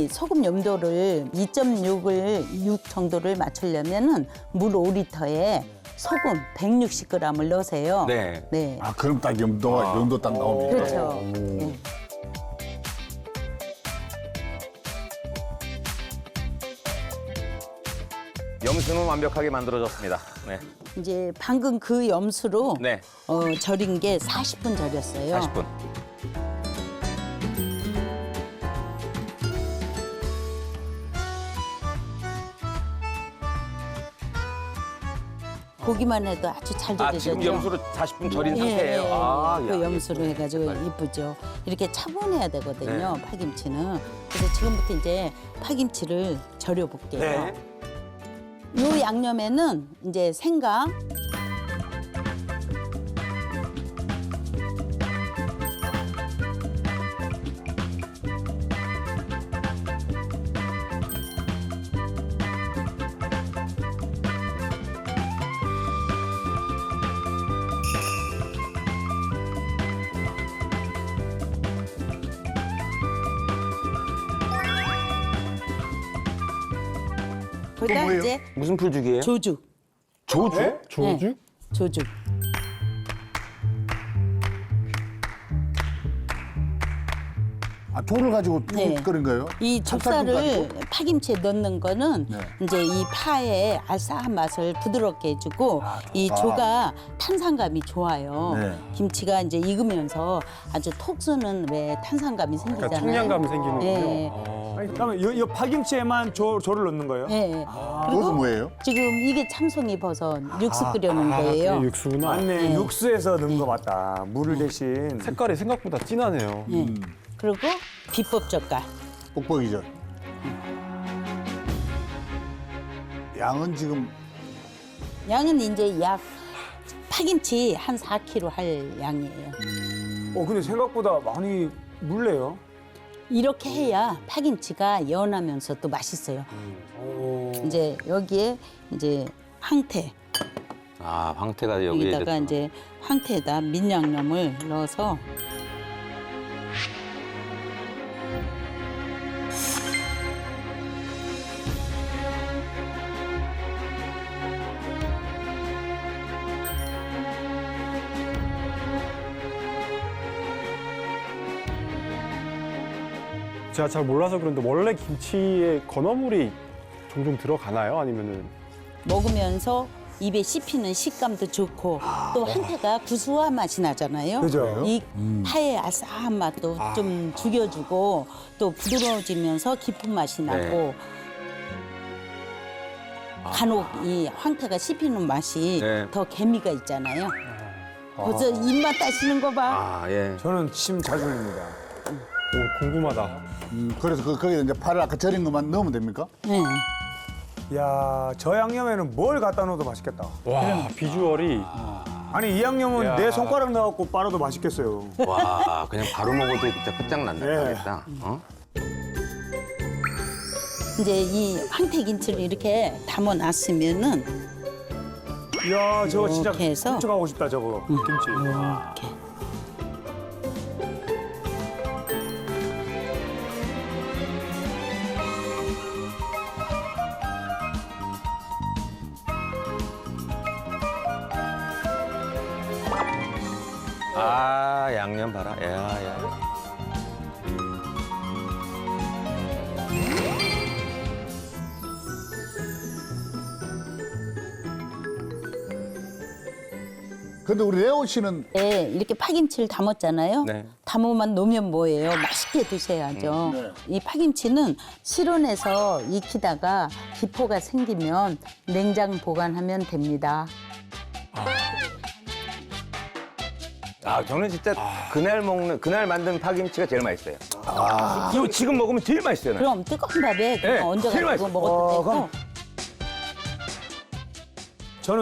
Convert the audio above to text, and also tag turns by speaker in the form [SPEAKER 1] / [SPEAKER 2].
[SPEAKER 1] 소금 염도를 2.6을 6 정도를 맞추려면은 물 5리터에 소금 160g을 넣으세요.
[SPEAKER 2] 네.
[SPEAKER 1] 네.
[SPEAKER 3] 아, 그럼 딱 염도 딱 나옵니다.
[SPEAKER 1] 그렇죠. 예.
[SPEAKER 2] 염수는 완벽하게 만들어졌습니다. 네.
[SPEAKER 1] 이제 방금 그 염수로
[SPEAKER 2] 네.
[SPEAKER 1] 절인 게 40분 절였어요.
[SPEAKER 2] 40분.
[SPEAKER 1] 보기만 해도 아주 잘 절여졌죠.
[SPEAKER 2] 지금 염수로 40분 절인
[SPEAKER 1] 예,
[SPEAKER 2] 상태예요.
[SPEAKER 1] 예.
[SPEAKER 2] 아,
[SPEAKER 1] 그
[SPEAKER 2] 야,
[SPEAKER 1] 염수로 해가지고 이쁘죠. 이렇게 차분해야 되거든요, 파김치는. 그래서 지금부터 이제 파김치를 절여볼게요.
[SPEAKER 2] 네.
[SPEAKER 1] 요 양념에는 이제 생강, 거기다
[SPEAKER 3] 뭐예요?
[SPEAKER 1] 이제
[SPEAKER 2] 무슨 풀죽이에요?
[SPEAKER 1] 조죽.
[SPEAKER 2] 조주?
[SPEAKER 1] 네, 조죽.
[SPEAKER 3] 아, 돌을 가지고
[SPEAKER 1] 네.
[SPEAKER 3] 끓인 거예요?
[SPEAKER 1] 이
[SPEAKER 3] 찹쌀죽
[SPEAKER 1] 좁쌀을
[SPEAKER 3] 가지고?
[SPEAKER 1] 파김치에 넣는 거는
[SPEAKER 3] 네.
[SPEAKER 1] 이제 이 파의 알싸한 맛을 부드럽게 해주고 이 조가 탄산감이 좋아요.
[SPEAKER 3] 네.
[SPEAKER 1] 김치가 이제 익으면서 아주 톡 쏘는 왜 탄산감이 생기잖아요.
[SPEAKER 4] 그러니까 청량감이 생기는군요.
[SPEAKER 1] 네.
[SPEAKER 4] 아니, 그러면 이 파김치에만 조를 넣는 거예요?
[SPEAKER 1] 네.
[SPEAKER 3] 그것은 뭐예요?
[SPEAKER 1] 지금 이게 참송이 버섯 육수 끓여놓은 거예요.
[SPEAKER 4] 그게 육수구나.
[SPEAKER 5] 맞네. 육수에서 넣은 거 맞다. 물을 대신.
[SPEAKER 4] 색깔이 생각보다 진하네요.
[SPEAKER 1] 네. 그리고 비법 젓갈.
[SPEAKER 3] 뽁뽁이죠. 양은 지금
[SPEAKER 1] 양은 이제 약 파김치 한 4kg 할 양이에요.
[SPEAKER 5] 근데 생각보다 많이 물래요.
[SPEAKER 1] 이렇게 해야 파김치가 연하면서 또 맛있어요. 이제 여기에 이제 황태
[SPEAKER 2] 아, 황태가 여기에
[SPEAKER 1] 여기다가 이제 황태에다 민양념을 넣어서
[SPEAKER 4] 제가 잘 몰라서 그런데 원래 김치에 건어물이 종종 들어가나요? 아니면은
[SPEAKER 1] 먹으면서 입에 씹히는 식감도 좋고 또 황태가 구수한 맛이 나잖아요.
[SPEAKER 5] 그죠?
[SPEAKER 1] 이 파의 아싸한 맛도 좀 죽여주고 또 부드러워지면서 깊은 맛이 나고 간혹 이 황태가 씹히는 맛이
[SPEAKER 2] 네.
[SPEAKER 1] 더 개미가 있잖아요. 벌써 입맛 따시는 거 봐.
[SPEAKER 2] 아, 예.
[SPEAKER 5] 저는 침 잘 흘립니다.
[SPEAKER 4] 오, 궁금하다.
[SPEAKER 3] 그래서 거기에 이제 파를 아까 절인 것만 넣으면 됩니까?
[SPEAKER 1] 네.
[SPEAKER 5] 야, 저 양념에는 뭘 갖다 넣어도 맛있겠다.
[SPEAKER 4] 와, 비주얼이
[SPEAKER 5] 아니, 이 양념은
[SPEAKER 4] 야.
[SPEAKER 5] 내 손가락 넣어갖고 빨아도 맛있겠어요.
[SPEAKER 2] 와, 그냥 바로 먹어도 진짜 끝장난다.
[SPEAKER 5] 예.
[SPEAKER 2] 하겠다. 어?
[SPEAKER 1] 이제 이 황태 김치를 이렇게 담아놨으면은
[SPEAKER 5] 이야, 저거 진짜
[SPEAKER 1] 이렇게 해서.
[SPEAKER 5] 훔쳐가고 싶다, 저거. 김치.
[SPEAKER 1] 이렇게
[SPEAKER 2] 아, 양념 봐라. 야, 야.
[SPEAKER 3] 근데 우리 레오 씨는
[SPEAKER 1] 네, 이렇게 파김치를 담았잖아요.
[SPEAKER 2] 네.
[SPEAKER 1] 담아만 놓으면 뭐예요? 맛있게 드셔야죠.
[SPEAKER 3] 네.
[SPEAKER 1] 이 파김치는 실온에서 익히다가 기포가 생기면 냉장 보관하면 됩니다.
[SPEAKER 2] 아, 저는 진짜 그날 만든 파김치가 제일 맛있어요. 이거 지금 먹으면 제일 맛있어요. 난.
[SPEAKER 1] 그럼 뜨거운 밥에
[SPEAKER 2] 네,
[SPEAKER 1] 그냥
[SPEAKER 2] 제일
[SPEAKER 1] 얹어가지고
[SPEAKER 2] 맛있어.
[SPEAKER 1] 먹어도 되고
[SPEAKER 5] 그럼